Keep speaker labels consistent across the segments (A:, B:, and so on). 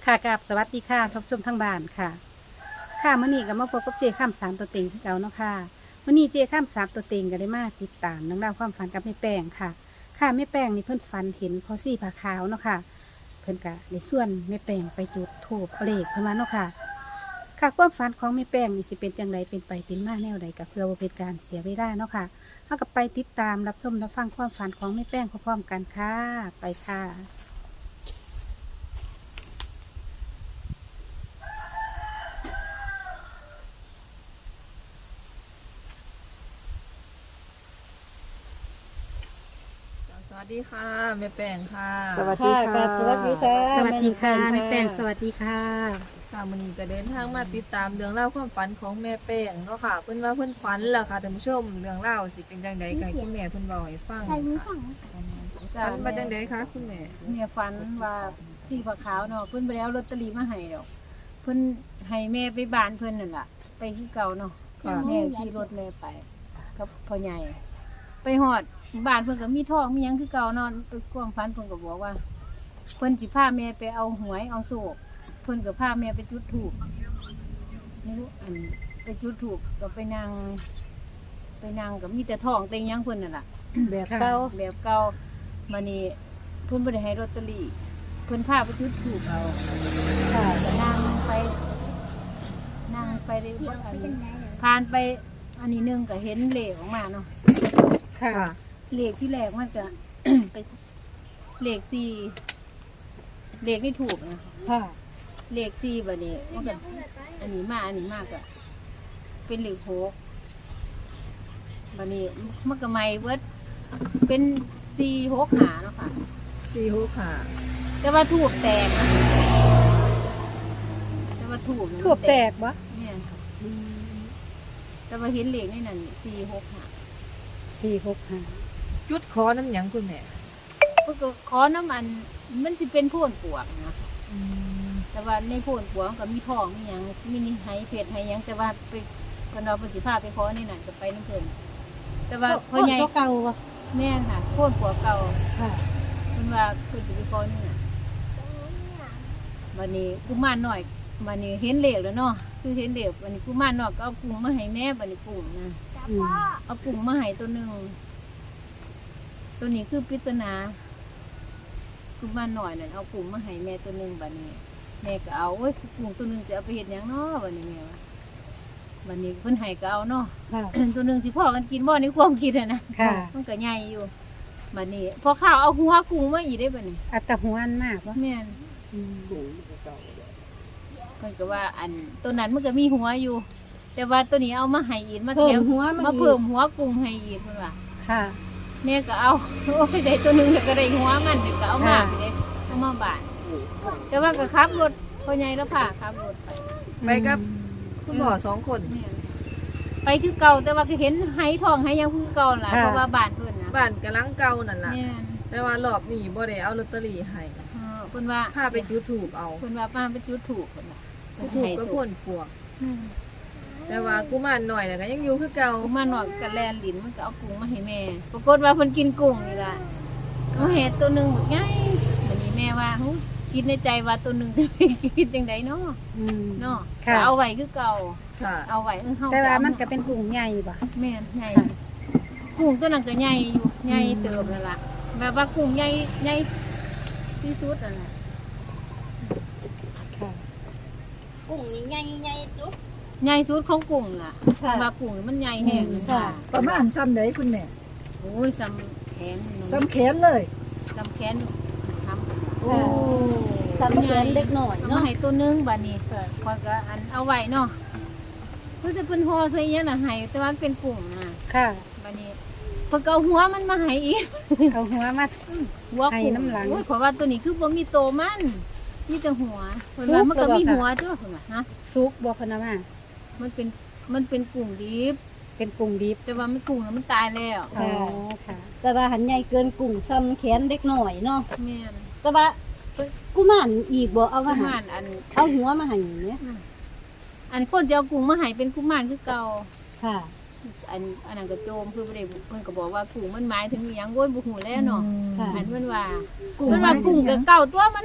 A: ค่ะกับสวัสดีค่ะท่านผู้ชมทางบ้านค่ะค่ะมื้อนี้ก็มาพบกับเจข้ามสามตัวเต็งที่เก่าเนาะค่ะมื้อนี้เจข้ามสามตัวเต็งก็ได้มาติดตามเรื่องราวความฝันกับแม่แป้งค่ะค่ะแม่แป้งนี่เพิ่นฝันเห็นพอซี่ผาขาวเนาะค่ะเพิ่นก็ได้ส่วนแม่แป้งไปจุดธูปเลขเพิ่นว่าเนาะค่ะค่ะความฝันของแม่แป้งนี่สิเป็นจังไดเป็นไปเป็นมาแนวใดก็เพื่อบ่เป็นการเสียเวลาเนาะค่ะเฮาก็ไปติดตามรับชมรับฟังความฝันของแม่แป้งพร้อมๆกันค่ะไปค่ะ
B: สวัสดีค่ะแม่แป้งค่ะ
A: สวัสดีค่ะ
C: สวัสดีค่ะ
A: สวัสดีค่ะ
C: แม่
A: แม่
C: แป้
A: แป้ง
C: ง
A: สวัสดีค่ะ
B: ค่ะมื้อนี้ก็เดินทางมาติดตามเรื่องเล่าวความฝันของแม่แป้งเนาะค่ะเพิ่นว่าเพิ่นฝันล่ะค่ะท่านผู้ชมเรื่องเล่าวสิเป็นจังได๋ก็ให้คุณแม่เพิ่นเว้าให้ฟังค่ะฝันมาจังได๋คะคุณแม่
C: เนี่ยฝันว่าสีผ้าขาวเนาะเพิ่นไปแล้วลอตเตอรี่มาให้ดอกเพิ่นให้แม่ไปบ้านเพิ่นนั่นล่ะ ไปที่เก่าเนาะแม่ขี่รถแม่ไปกับพ่อใหญ่ไปฮอดบ้านเพิ่นก็มีทองมีหยังคือเก่าเนาะไปกวางฝันเพิ่นก็บอกว่าเพิ่นสิพาแม่ไปเอาหวยเอาโศกเพิ่นก็พาแม่ไปจุดธูปไม่รู้อันไปจุดธูปก็ไปนั่งก็มีแต่ทองเต็งหยังเพิ่นนั่นล่ะ
A: แบบเก่า
C: แบบเก่ามานี่เพิ่นบ่ได้ให้ลอตเตอรี่เพิ่นพาไปจุดธูปเอาค่ะก็นั่งไปได้อันผ่านไปอันนี้หนึงก็เห็นเลขออกมาเนาะ
A: ค่ะ
C: เลขที่แรกมันก็ ไปเลข4เลขนี่ถูกนะ
A: ค่ะ
C: เลข4บัดนี้มันก็อันนี้มาก็เป็นเลข6บัดนี้มันก็ใหม่เบิดเป็น4 6 5เนาะค่ะ
B: 46ค่ะ
C: แต่ว่าถูกแตกนะแต่ว่าถูก
A: ทั่วแตกบ่
C: เนี่ยค่ะแต่ว่าเห็นเหล็กในนั้น4 6 5
A: 465
B: จุดขอน้ำหยังคุณแม่
C: ก็ขอน้ำมันจะเป็นโพ่นปวกนะแต่ว่าในโพ่นปวกมันก็มีทองมีหยังมีนี่ไหเพชรไหหยังแต่ว่าไปคนเราเป็นสิพาไปขอในนั้นก็ไปน้ำเพลินแต่ว่าพ่อใหญ่
A: เก่าบ่
C: แม่นค่ะโพ่นปวกเก่า
A: ค่ะ
C: มันว่าคือสิไปขอนี่น่ะวันนี้กุมารหน่อยวันนี้เห็นเหลวแล้วเนาะคือเห็นเหลววันนี้กุมารหน่อยก็เอากุ้งมาให้แม่วันนี้กุ้งนะ
A: อืม
C: เอากุ้งมาให้ตัวหนึ่งตัวนี้คือปริศนากุมารหน่อยนั่นเอากุ้งมาให้แม่ตัวหนึ่งบัดนี้ แม่ก็เอาเว้ยกุ้งตัวหนึ่งจะเอาไปเห็ดหยังเนาะบัดนี้แม่ว่าบัดนี้เพิ่นให้ก็เอาเนาะ
A: ค่ะ
C: ตัวหนึ่งสิพ่อกันกินบ่ในความคิดอะนะ
A: ค่ะ
C: มันก็ใหญ่อยู่บัดนี้พอข้าวเอาหัวกุ้งมาอีกได้บัดนี้
A: อัตหวนมากบ่
C: แม่น
A: อืม
C: เพิ่นก็ว่าอันตัวนั้นมันก็มีหัวอยู่ แต่ว่าตัวนี้เอามาให้อีกมา
A: เพิ่
C: แถ
A: ม
C: ม
A: หัวมัน
C: มา
A: อีก
C: เพิ่มหัวกุ้งให้อีกเพิ่นว่า
A: ค่ะ
C: แม่ก็เอา โอ้ยได้ตัวหนึงก็ได้หัวมันเดี๋ยวก็เอามา
A: ค่ะ
C: ไปเด้เอามาบ้านแต่ว่าก็ขับรถพ่อใหญ่แล้วพาขับรถไป
B: ไปกับคุณหมอ2คน
C: แม่นไปคือเก่าแต่ว่าก็เห็นไหทองไหยังคือเก่าล่ะเพราะว่าบ้านเพิ่นนะ
B: บ้านกำลังเก่านั่นล่ะ
C: แม่น
B: แต่ว่ารอบนี้บ่ได้เอาลอตเตอรี่ให้
C: เพิ่นว่า
B: พาไปจุดถูกเอา
C: เพิ่นว่าป้าไปจุดถูกเพิ่นว่าเพิ่น
B: ถูก
C: ให้
B: ก็
C: สุ
B: พ่
C: ก
B: นปวก แต่ว่ากุมารหน่อยน่ะก็ยังอยู่คือเก่า
C: กุ้งมาหน่อยกับแลนลิ้นมันก็เอากุ้งมาให้แม่ ปรากฏว่าเพิ่นกินกุ้งนี่ล่ะเอาเห็ดตัวหนึงหมดไงวันนี้แม่ว่าหูคิดในใจว่าตัวหนึงจะไปกินจังไดเนาะ
A: อืม
C: เนาะ
A: ค่ะ
C: ก็เอาไว้คือเก่า
B: ค่ะ
C: เอาไว้เฮา
A: แต่ว่ามันก็เป็นกลุ่มใหญ่บ่
C: แม่นใหญ่กุ้งตัวนั้นก็ใหญ่อยู่ใหญ่เติบนั่นล่ะแบบว่ากุ้งใหญ่ใหญ่ที่สุดนั่นแหละ
A: ค่ะ
D: กุ้งนี่ใหญ่ใหญ่จุ๊บ
C: ใหญ่สุดของกุ้งล่ะ
D: ค่ะ
C: ว่ากุ้งมันใหญ่แห้ง
D: ค่ะ
E: ประมาณซ้ำไหนคุณแม่
C: โอ้ยซ้ำแขนหนู
E: ซ้ำแขนเลย
C: ซ้ำแขนทำ
E: โอ้
D: ทำเหมือนเด็กหน่อย
C: เอา
D: เนาะ
C: มาให้ตัวหนึงบัดนี้คอยก็อันเอาไว้เนาะเพื่อจะเป็นห่อใส่เงี้ยน่ะให้แต่ว่ามันเป็นกุ้งนะ
A: ค่ะ
C: บัดนี้เพิ่นก็เอาหัวมันมาให้อีก
A: เอาหัวมา
C: หัว
A: ให้
C: กุ้ง
A: น้ำหลัง
C: โอ้ยขอยว่าตัวนี้คือบ่มีโตมันมีแต่หัวเพิ่นว่ามันก็มีหัวจ้ะเพิ่นว่าฮะ
A: สุกบ่เพิ่นเอามา
C: มันเป็นกุ้งดิบ
A: เป็นกลุ่มดิบ
C: แต่ว่ามันกุ้งน่ะมันตายแล้ว
A: อ๋อค่ะ
D: แต่ว่าหันใหญ่เกินกุ้งซ้ำแขนเด็กหน่อยเนาะ
C: แม่น
D: แต่ว่ากุมารอีกบ่เอา
C: กุ
D: มาให้
C: มารอัน
D: เอาหัวมาให้อย่างเนี้ย
C: อันคนจะเอากุ้งมาให้เป็นกุมารคือเก่า
D: ค่ะ
C: อันนั้นก็โจมคือบ่ได้เพิ่นก็บอกว่ากุ้งมันหมายถึงอิหยังโว้ยบ่ฮู้แล้วเนาะ
D: ค่ะ
C: อันมันว่า
E: กุ้ง
C: มันว่ากุ้งกับเก่าตัวมันว่า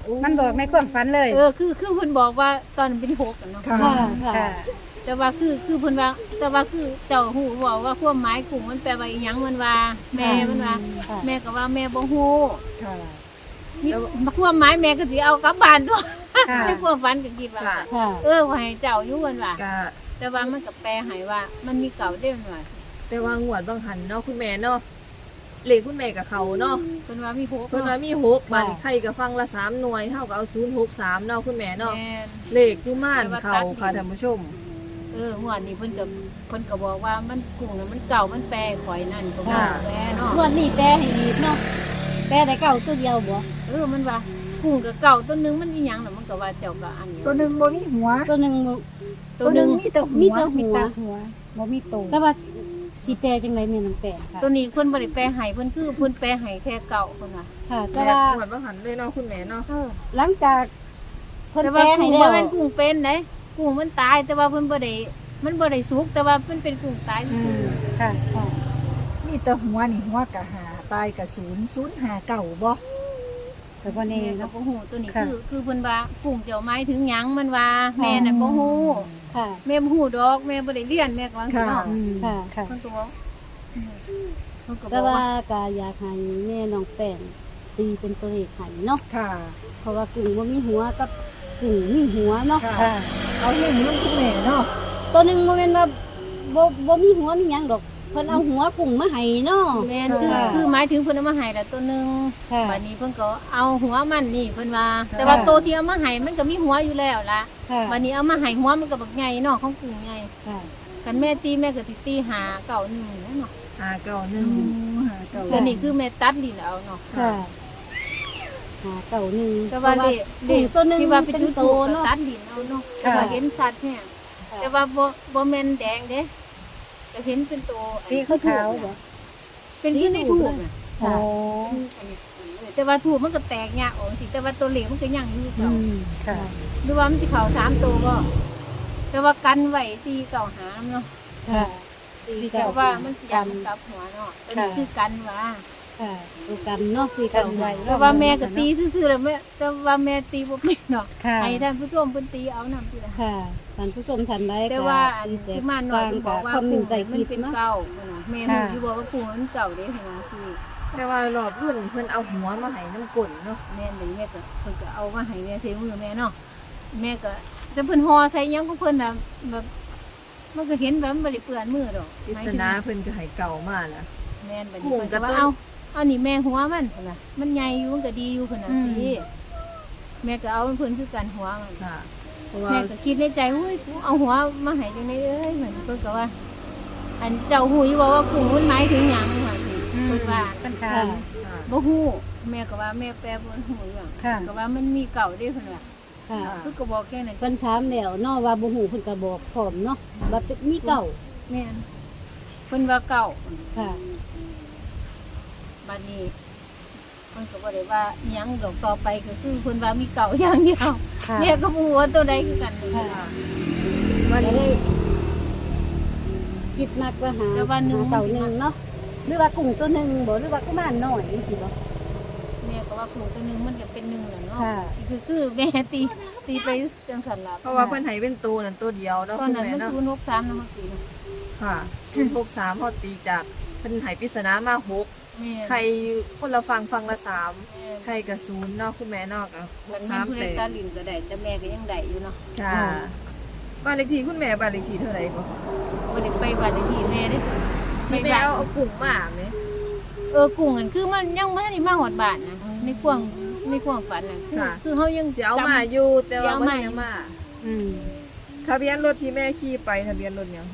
A: มันบอกในความฝันเลย
C: คือเพิ่นบอกว่าตอนนั้นเป็น6กันเนาะ
E: ค่ะ
D: ค่ะ
A: ค่ะ
C: แต่ว่าคือเพิ่นว่าแต่ว่าคือเจ้าฮู้บอกว่าความหมายกุ้งมันแปลว่าอีหยังมันว่าแม่มันว่า
D: ค่ะ
C: แม่ก็ว่าแม่บ่ฮู้
E: ค่ะ
C: มีความหมายแม่ก็สิเอากลับบ้านตัว
A: ค่ะ
C: ในความฝันก็คิดว่า
B: ค่ะ
D: ค่ะ
C: ว่าให้เจ้าอยู่เพิ่นว่า
B: ก็
C: แต่ว่ามันก็แปลให้ว่ามันมีเก่าเด้มันว่าสิ
B: แต่ว่างวดบางหันเนาะคุณแม่เนาะเลขคุณแม่กับเขาเนาะ
C: เพิ่นว่ามี6
B: เพิ่นว่ามี6บัดนี้ใครก็ฟังละ3หน่วยเท่ากับเอา063เนาะคุณแม่เนาะ
C: แม่น
B: เลขกุมารเขาค่ะท่านผู้ชม
C: หัวนี้เพิ่นก็บอกว่ามันกุ้งน่ะมันเก่ามันแปลข่อยนั่นก็ว่า
B: ค่ะ
C: แปลเนาะ
D: งวดนี้แปลให้อีกเนาะแปลได้เก่าตัวเดียวบ่
C: มันว่ากุ้งกับเก่าตัวหนึงมันอีหยังน่ะมันก็ว่าเจ้าก็อันนี้
E: ตัวหนึ่งบ่มีหัว
D: ตัวหนึงบ่
E: ตัวหนึ่งมีแต่หั
D: มี
E: ว
D: แต่
A: มี
D: หัว
A: ตาหัวบ่มีโต
D: แต่ว่าสิแปลจังไดแม่น้องแปลค่ะ
C: ตัวนี้เพิ่นบ่ได้แปลให้เพิ่นคือเพิ่นแปลให้แค่เก่าเพิ่นว่า
D: ค่ะ แต่
B: แต่
D: ว่า
B: งวดบางหันเลยเนาะคุณแม่เนาะ
D: หลังจากเพิ่น
C: แต่
D: แปล
C: ว่า
D: ให้
C: กุ้ง
D: แล้
C: บ่
D: ว
C: แม่นกุ้งเป็นเด้กุ้งมันตายแต่ว่าเพิ่นบ่ได้มันบ่ได้สุกแต่ว่ามันเป็นกุ้งตาย
A: อืมค่ะ
D: ค่ะ
E: มีแต่หัวนี่หัวกะหาตายกะ0 0 5 9บ่
A: แต่บ่
C: แม่
A: แน่
C: ก็
A: เนาะ
C: บ่ฮู้ตัวนี้
A: ค่ะ
C: คือเพิ่นว่ากุ้งเจ้าไม้ถึงหยังมันว่าแม่น่ะบ่ฮู้
D: ค่ะ
C: แม่บ่ฮู้ดอกแม่บ่ได้เรียนแม่ก็ว่าจังซี่เนาะ
A: อืม
D: ค่ะ
A: ค่ะ
C: เพิ่นก็บอกเพิ่นก็บ
D: แต่
C: อก
D: ว่า
C: ว่า
D: ก็อยากให้แม่น้องแป้งตีเป็นตัวเลขให้เนาะ
E: ค่ะ
D: เพราะว่ากุ้งบ่มีหัวกับกุ้งมีหัวเนาะ
E: ค่ะ
A: ค่ะ
E: เอาเรื่องคุณแม่เนาะ
D: ตัวหนึงบ่แม่นว่าบ่มีหัวมีหยังดอกเพิ่นเอาหัวกุ้งมาให้เนาะ
C: แม่น
D: ค่ะ
C: คือหมายถึงเพิ่นเอามาให้ละตัวหนึง
D: ค่ะ
C: บัดนี้เพิ่นก็เอาหัวมันนี่เพิ่นว่า แต่ว่าตัวที่เอามาให้มันก็มีหัวอยู่แล้วล่ะ
D: ค่ะ
C: บัดนี้เอามาให้หัวมันก็บักใหญ่เนาะของกุ้งใหญ่
D: ค่ะ
C: คันแม่ตีแม่ก็สิตีหาเก่าหนึ่งเนาะ
B: 591
E: หาเก่า
C: ตัวนี้คือแม่ตัดลิ้นเอาเนาะ
D: ค่ะหาเก่าหนึ่ง
C: แต่ว่าเด็ก
D: กุ้งตัวหนึง
C: ที่ว่าเป็น
D: เป็น
C: จุด
D: โต
C: โต
D: เนาะ
C: ตัดลิ้นเอาเนาะ
A: ค่ะ
C: ก็เห็นสัตว์เนี่ยแต่ว่าบ่แม่นแดงเด้ก็เห็นเป็นตัว
A: สีขาวๆบ่
C: เป็นที่ในถูกน่ะ
A: โอ้
C: แต่ว่าถูกมันก็แตกยากออกสิแต่ว่าตัวเหล็กมันก็ยังอยู่
A: อื
C: เก่าม
A: ค่ะ
C: ดูว่ามันสิเข้า3ตัวบ่แต่ว่ากันไว้4เก่าหาเนาะ
D: ค่ะ
A: สี
C: เพ
A: เก่า
C: ราะว่ามันสิยันกับหัวเนาะตัวนี้คือกันว่า
D: ค่ะดูกันเนาะสี่
A: กั
D: เก่าน
A: ไว้
C: แต่ว่าแม่ก็ตีซื่อๆแล้วแม่แต่ว่าแม่ตีบ่เป็นเนาะ
A: ค่ะ
C: ให้ท่านผู้ชมเพิ่นตีเอานำสิล่ะ
D: ค่ะท่านผู้ชมท่านใด
C: แต่
D: ก็
C: ว่าอัน
D: ที่แต
C: ที่
D: ก
C: มาหน่อยเพิ่นบอกว่า
D: คอมเม
C: กุ้
D: น
C: ง
D: ต์ใต้ค
C: มัน
D: ลิป
C: เป็น
D: เนาะ
C: เก่าเนาะแม่รู้อยู่บ่ว่ากุ้งมันเก่าเด้เนาะคือ
B: แต่ว่ารอบรุ่นเพิ่นเอาหัวมาให้น้ำกลนเนาะ
C: แม่นแม่ก็เพิ่นก็เอามาให้แม่ใส่มือแม่เนาะแม่ก็แต่เพิ่นห่อใส่หยังของเพิ่นน่ะแบบมันก็เห็นแบบมันบ่ได้เปื้อนมือดอก
B: ปริศนาเพิ่นก็ให้เก่ามาแล้ว
C: แม่นบัด
B: กุ้
C: นี้
B: ง
C: เพิ่น
B: กั
C: ก็
B: บ
C: ว่า
B: ต้น
C: เอานี่แม่หัวมันพุ่นน่ะมันใหญ่อยู่มันก็ดีอยู่พุ่นน่ะสิแม่ก็เอาเพิ่นคือกันหัวมัน
B: ค่ะเพราะว่า
C: แม่ก็คิดในใจอุ้ยกูเอาหัวมาให้จังได๋เอ้ยเหมือนเพิ่นก็ว่า อันเจ้าหูอยู่บ่ว่ากุ้งมันหมายถึงหยังว่าสิเพิ่นว่า
A: เป็นค่ะ
D: ค่ะ
B: ค่ะ
C: บ่ฮู้แม่ก็ว่าแม่แปลบ่ฮู้เรื่อง
A: ค่ะ
C: ก็ว่ามันมีเก่าเด้เพิ่นว่า
D: ค่ะ
C: เพิ่นก็บอกแค่นั้น
D: เพิ่นถามแล้วเนาะว่าบ่ฮู้เพิ่นก็บอกพร้อมเนาะว่าเป็นมีเก่า
C: แม่นเพิ่นว่าเก่า
D: ค่ะ
C: บัดนี้เพิ่นก็บ่ได้ว่าอิหยังดอกต่อไปก็คือเพิ่นว่ามีเก่าอย่างเดียว
A: ค่ะ
C: แม่ก็บ่ฮู้ว่าตัวใดคือกันเลย
D: ค่ะ
B: มัน
D: ก็เลยคิดมากว่าหา
C: แต่ว่าหนึ่ง
D: หาเก่าหนึ่งเนาะหรือว่ากุ้งตัวหนึงบ่หรือว่ากุมารน้อยจังซี่บ่
C: แม่ก็ว่ากุ้งตัวหนึงมันก็เป็นหนึ่งแหละเนาะ
D: ค่ะ
C: คือแม่ตีไปจังซั่นล่ะ
B: เพราะว่าเพิ่นให้เป็นตัวนั่นตัวเดียวเนาะ
C: ตอน
B: คุณ
C: นั้น
B: แม่
C: มัน
B: เนาะ
C: 063นะมันตีเนาะ
B: ค่ะ063พอตีจากเพิ่นให้ปริศนามา6
C: แม่
B: ใครคนละฟังละ3
C: แม่
B: ใครก็0เนาะคุณแม่เนาะก็
C: มันมี
B: 3
C: ผู้ใด
B: แต่
C: ตาลินก็ได้แต่แม่ก็ยังได้อยู่เนาะ
B: จ้าบ้านเลขที่คุณแม่บ้านเลขที่เท่าไหร่ก็
C: บ่ได้ไปบ้านเลขที่แม่เด้
B: ที่แม่เอากลุ่มมาไหม
C: กุ้งอันคือมันยังบ่ทันได้มาฮอดบ้านนะในความฝันน่ะคือเฮายัง
B: เสียเอามาอยู่แต่ว่า
C: สิเอา
B: บ่
C: มา
B: ได้เอามา
A: อืม
B: ทะเบียนรถที่แม่ขี่ไปทะเบียนรถหยัง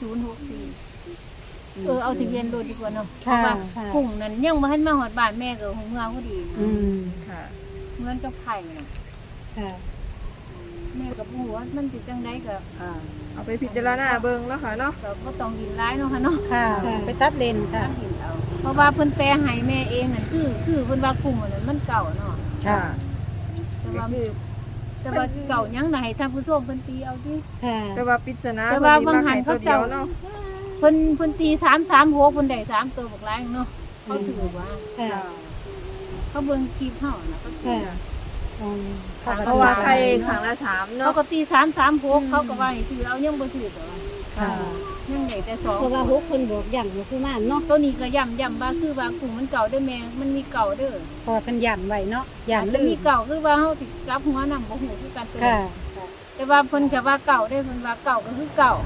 C: 4064เอาทะเบียนรถดีกว่าเนาะเพ
A: ค่ะ
C: ราะว่า
D: ค่ะ
C: กุ้งนั้นยังบ่ทันมาฮอดบ้านแม่ก็คงเงาพอดี
A: อืม
B: ค่ะ
C: เหมือนกับไข่น่ะ
D: ค่ะ
C: แม่ก็บ่ฮู้ว่ามันสิจังไดก็
B: เอาไปพิจารณาเบิ่งแล้วค่ะเนาะ
C: ก็บ่ต้องดินร้ายเนาะค่ะเนาะ
A: ค่ะ ไปตัดเลนค่ะ
C: ดินเอาเพราะว่าเพิ่นแปลให้แม่เองนั่นคือเพิ่นว่ากุ้งอันนั้นมันเก่าเนาะ
A: ค่ะ
C: แต่
B: ก็
C: ว่า
B: คือ
C: แต่ว่าเก่ายังน่ะให้ท่านผู้ชมเพิ่นตีเอาติ
D: ค่ะ
B: แต่ว่าปริศนา
C: แต่ว่า
B: เพิ่นมี
C: บางหัน
B: ให้ตัวเดียวเนาะ
C: เพิ่นตี336เพิ่นได้3ตัวบักหลายเนาะเขาถือว่า
D: ค่ะ
C: เขาเบิ่งคลิปเฮาน่ะเขาถือ
D: ค่ะ
C: ว
A: อ๋อ
B: เพราะว่าใครครั้งละ3
C: เขา
B: เนาะ
C: ก็ตี336เขาก็ว่าให้ซื้อเอายังบ่ซื้อตัว
A: ค่ะ
C: ยังได้แต่2
D: เพราะว่า6เพิ่นบอกอย่างอยู่คือมาเนาะ
C: ตัวนี้ก็ย้ำว่าคือว่ากุ้งมันเก่าเด้อแม่มันมีเก่าเด้อ
A: พอเป็นย่ำไว้เนาะย่ำ
C: แล้
A: ลื
C: วมี
A: ม
C: เก่าคือว่าเฮาสิกลับหัวนำบ่ฮู้คือกันตัว
A: ค่ะ
C: แต่ว่าเพิ่นก็ว่าเก่าได้เพิ่นว่าเก่าก็คือเก่า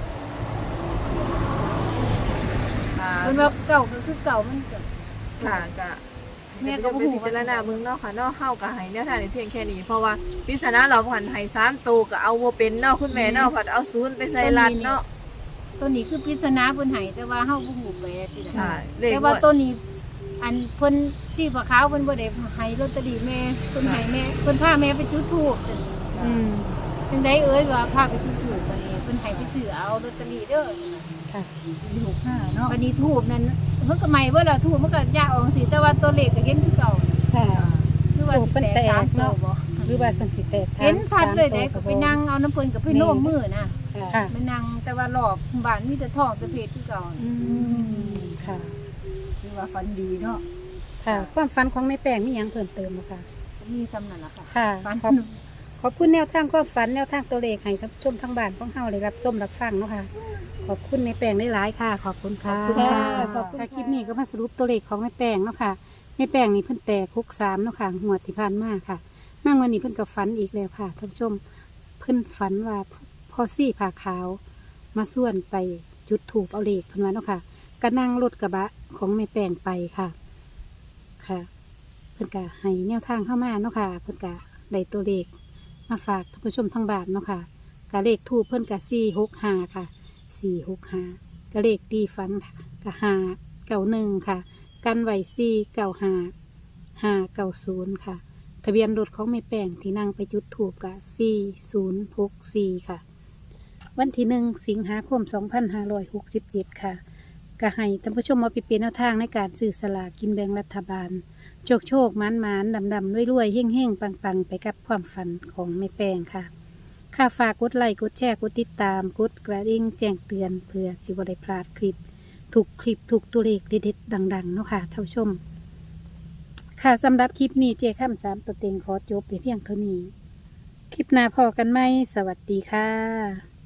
B: ค่ะ
C: เพิ่นว่าเก่าก็คือเก่ามันก็
B: ค่ะก็
C: แม่
B: แม่
C: ก็
B: ก็
C: บ่
B: ไป
C: ฮู้
B: พิจารณาเบิ่งเนาะค่ะเนาะเฮาก็ให้แนวทางได้เพียงแค่นี้เพราะว่าปริศนาเราผ่านให้3ตัวก็เอาบ่เป็นเนาะคุณแม่เนาะผัดเอา0ไปใส่ลัดเนาะ
C: ตัวนี้คือปริศนาเพิ่นให้แต่ว่าเฮาบ่ฮู้ไปที่ใด
B: ค่ะเลข
C: แต่ว่าตัวนี้อันเพิ่นที่ปลาขาวเพิ่นบ่ได้ให้ลอตเตอรี่แม่เพิ่นให้แม่เพิ่นพาแม่ไปจุดธูป
A: อืม
C: จังไดเอ้ยว่าพาไปจุดธูปบัดนี้เพิ่นให้ไปซื้อเอาลอตเตอรี่เด้อ
A: ค่ะ
E: 465เนาะ
C: บัดนี้ธูปนั้นเพิ่นก็ใหม่เบิดล่ะธูปมันก็ยากออกสิแต่ว่าตัวเลขก็เห็นคือเก่า
A: ค่ะ
C: หรือว่าสิแตก3ตัวบ่
A: หรือว่าเป็นสิแตกทาง
C: เห็นชัดเลย
A: สาม
C: เด้
A: ตัว
C: ก็ไปนั่งเอาน้ำเพิ่นก็ไปโน้มมือนะ
A: ค่ะ
C: ไปนั่งแต่ว่ารอบบ้านมีแต่ทองแต่เพชรคือเก่า
A: อืมค่ะ
E: คือว่าฝันดีเนาะ
A: ค่ะ ความฝันของแม่แป้งมีหยังเพิ่มเติมบ่คะ
C: มีซ้ำนั่นล่ะค่ะ
A: ค่ะ
C: ฝัน
A: ขอบคุณแนวทางความฝันแนวทางตัวเลขให้ท่านผู้ชมทางบ้านของเฮาได้รับชมรับฟังเนาะค่ะ ขอบคุณแม่แป้งได้หลายๆค่ะ ขอบคุณค่ะ
C: ขอบคุณค่ะ
A: ขอบคุณค่ะคลิปนี้ก็มาสรุปตัวเลขของแม่แป้งเนาะค่ะแม่แป้งนี่เพิ่นแตกคุก3เนาะค่ะงวดที่ผ่านมาค่ะมาวันนี้เพิ่นก็ฝันอีกแล้วค่ะท่านผู้ชมเพิ่นฝันว่าพ่อซี่ผ้าขาว มาส่วนไปจุดถูกเอาเลขเพิ่นว่าเนาะค่ะก็นั่งรถกระบะของแม่แป้งไปค่ะ ค่ะ เพิ่นก็ให้แนวทางเข้ามาเนาะค่ะ เพิ่นก็ได้ตัวเลขมาฝากท่านผู้ชมทางบ้านเนาะค่ะก็เลขทูปเพิ่นก็465ค่ะ465ก็เลขตีฟันก็591ค่ะ กันไว้495 590ค่ะ ทะเบียนรถของแม่แป้งที่นั่งไปจุดถูกก็4064ค่ะ วันที่1 สิงหาคม 2567 ค่ะก็ให้ท่านผู้ชมมาไปเป็นแนวทางในการซื้อสลากกินแบ่งรัฐบาล โชคโชคหมานหมานดำดำรวยรวยเฮ่งเฮ่งปังปังไปกับความฝันของแม่แป้งค่ะ ค่าฝากกดไลค์กดแชร์กดติดตามกดกระดิ่งแจ้งเตือนเพื่อสิบได้พลาดคลิปถูกตัวเลขเด็ดๆดังๆเนาะค่ะท่านผู้ชม ค่ะสำหรับคลิปนี้เจข้าม3ตัวเต็งขอจบไปเพียงเท่านี้ คลิปหน้าพอกันไหมสวัสดีค่ะ